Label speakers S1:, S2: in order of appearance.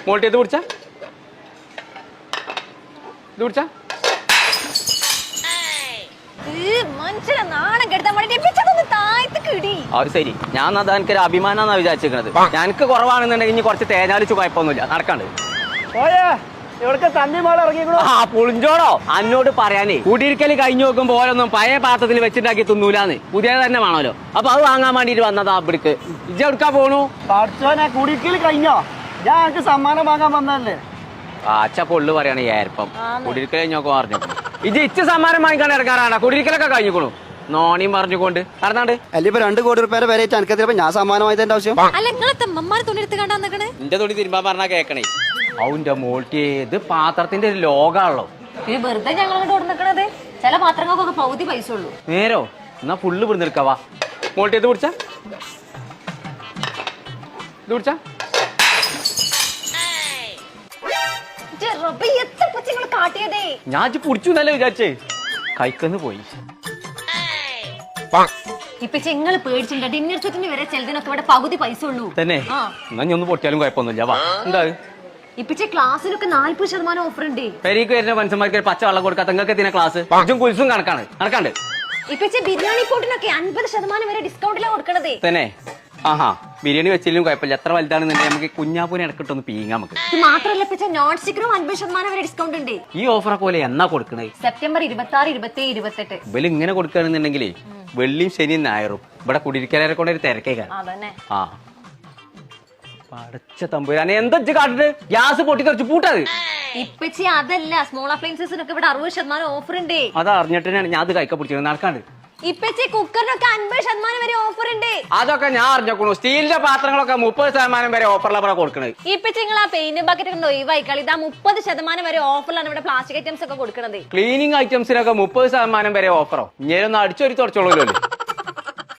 S1: മോൾട്ടി ഇത് പിടിച്ച ഇത് പിടിച്ച
S2: മനുഷ്യനെ നാണം കെടുത്താൻ വേണ്ടി
S1: അത് ശരി. ഞാൻ അത് എനിക്കൊരു അഭിമാനാന്നാ വിചാരിച്ചിരിക്കണത്. എനിക്ക് കുറവാണെന്നുണ്ടെങ്കിൽ ഇനി കുറച്ച് തേഞ്ഞാലിച്ചു കുഴപ്പമൊന്നുമില്ല, നടക്കാണ്ട്. ആ പുളിഞ്ചോടോ അന്നോട് പറയാനേ, കുടിയിരിക്കല് കഴിഞ്ഞു നോക്കുമ്പോ ഓരോന്നും പഴയ പാത്രത്തിൽ വെച്ചിണ്ടാക്കി തിന്നൂലാന്ന്, പുതിയത് തന്നെ വേണമല്ലോ. അപ്പൊ അത് വാങ്ങാൻ വേണ്ടിട്ട് വന്നതാ ഇവിടേക്ക്. ഇജ്ജ് എടുക്കാ പോണു?
S3: കുടിയിരിക്കല് കഴിഞ്ഞോ? ഞാൻ എനിക്ക് സമ്മാനം വാങ്ങാൻ വന്നതല്ലേ.
S1: അച്ഛ പൊള്ളു പറയാണ് ഏർപ്പം. കുടിയിരിക്കൽ കഴിഞ്ഞോക്കെ പറഞ്ഞു. ഇജ്ജ് ഇച്ച സമ്മാനം വാങ്ങിക്കാൻ ഇറങ്ങാറാണ്. കുടിയിരിക്കലൊക്കെ കഴിഞ്ഞുകൊണു നോണിയും പറഞ്ഞുകൊണ്ട് നടന്നാണ്ട്.
S3: അല്ല ഇപ്പൊ 2 കോടി രൂപ വരെ എനിക്കത്തിയപ്പോ ഞാൻ സമ്മാനം വാങ്ങിയതിന്റെ ആവശ്യം.
S1: എന്റെ തുണി തിരുമ്പാൻ പറഞ്ഞാ കേക്കണേ. അവന്റെ മോൾട്ടി ഇത് പാത്രത്തിന്റെ ഒരു ലോകാണല്ലോ.
S2: വെറുതെ ഞങ്ങളോട് നിക്കണത്. ചില പാത്രങ്ങൾക്കൊക്കെ പകുതി പൈസ ഉള്ളൂ.
S1: നേരോ എന്നാ ഫുള്ള് പിടിച്ചെടുക്കാവാ. മോൾട്ടി ഇത് പിടിച്ച ഇത് പിടിച്ച ഞാൻ പിടിച്ചു എന്നല്ലേ വിചാരിച്ചേ. കൈക്കന്ന് പോയി.
S2: ഇപ്പൊ ചെങ്ങള് പേടിച്ചിട്ടുണ്ട്. ഡിന്നർ സെറ്റിന് വരെ ചിലതിനൊക്കെ ഇവിടെ പകുതി പൈസ ഉള്ളൂ
S1: തന്നെ. എന്നാ ഞാൻ ഒന്ന് പൊട്ടിയാലും കുഴപ്പമൊന്നുമില്ല. വാ എന്താ
S2: ഇപ്പിച്ച ക്ലാസ്സിലൊക്കെ 40% ഓഫർ ഉണ്ട്.
S1: പെരീക്ക് വരുന്ന മനുഷ്യന്മാർക്ക് പച്ച വെള്ളം കൊടുക്കാത്ത നിങ്ങൾക്ക് എത്തിന ക്ലാസ് കുൽസും കണക്കാണ് നടക്കാണ്ട്.
S2: ഇപ്പിച്ച ബിരിയാണി പോട്ടിനൊക്കെ 50% വരെ ഡിസ്കൗണ്ടിലാണ് കൊടുക്കണത്
S1: തന്നെ. ആഹാ ബിരിയാണി വെച്ചില്ലും കുഴപ്പമില്ല. എത്ര വലുതാണെന്നുണ്ടെങ്കിൽ നമുക്ക് കുഞ്ഞാപ്പൂനെ ഇടക്കിട്ടൊന്ന് പീങ്ങാം. നമുക്ക്
S2: ഇത് മാത്രമല്ല ഇപ്പിച്ച നോൺ സ്റ്റിക്കറും 50% വരെ ഡിസ്കൗണ്ട് ഉണ്ട്.
S1: ഈ ഓഫറൊക്കെ പോലെ എന്നാ കൊടുക്കണേ?
S2: സെപ്റ്റംബർ 26, 27, 28.
S1: ഇവല് ഇങ്ങനെ കൊടുക്കുകയാണെന്നുണ്ടെങ്കിലേ വെള്ളിയും ശനിയും ഞായറും ഇവിടെ കുടിയിരിക്കലരെ കൊണ്ട് ഒരു തിരക്കേക്കാണ്. ആ പടച്ച തമ്പുരാനെ എന്താ കാട്ടിട്ട് ഗ്യാസ് പൊട്ടി തെറിച്ച് പൂട്ടത്.
S2: ഇപ്പച്ചി അതല്ല, സ്മോൾ അപ്ലയൻസസിനൊക്കെ ഇവിടെ 60% ഓഫർ ഉണ്ട്.
S1: അത് അറിഞ്ഞിട്ടാണ് ഞാൻ അത് കൈക്ക പിടിച്ചത്. നടക്കാണ്ട്.
S2: ഇപ്പച്ചി കുക്കറിനൊക്കെ 50% വരെ ഓഫർ ഉണ്ട്.
S1: അതൊക്കെ ഞാൻ അറിഞ്ഞോക്കണു. സ്റ്റീലിന്റെ പാത്രങ്ങളൊക്കെ 30% വരെ ഓഫറിലാണ് കൊടുക്കണത്.
S2: ഇപ്പച്ചി നിങ്ങൾ ആ പെയിന്റ് ബക്കറ്റ് ഒക്കെ ഒഴിവായിക്കളി. ഇതാ 30% വരെ ഓഫറിലാണ് ഇവിടെ പ്ലാസ്റ്റിക് ഐറ്റംസ് ഒക്കെ കൊടുക്കുന്നത്.
S1: ക്ലീനിങ് ഐറ്റംസിനൊക്കെ 30% വരെ ഓഫറോ? ഇങ്ങനെ ഒന്ന് അടിച്ചൊരു തുടച്ചോളൂല്ലോ.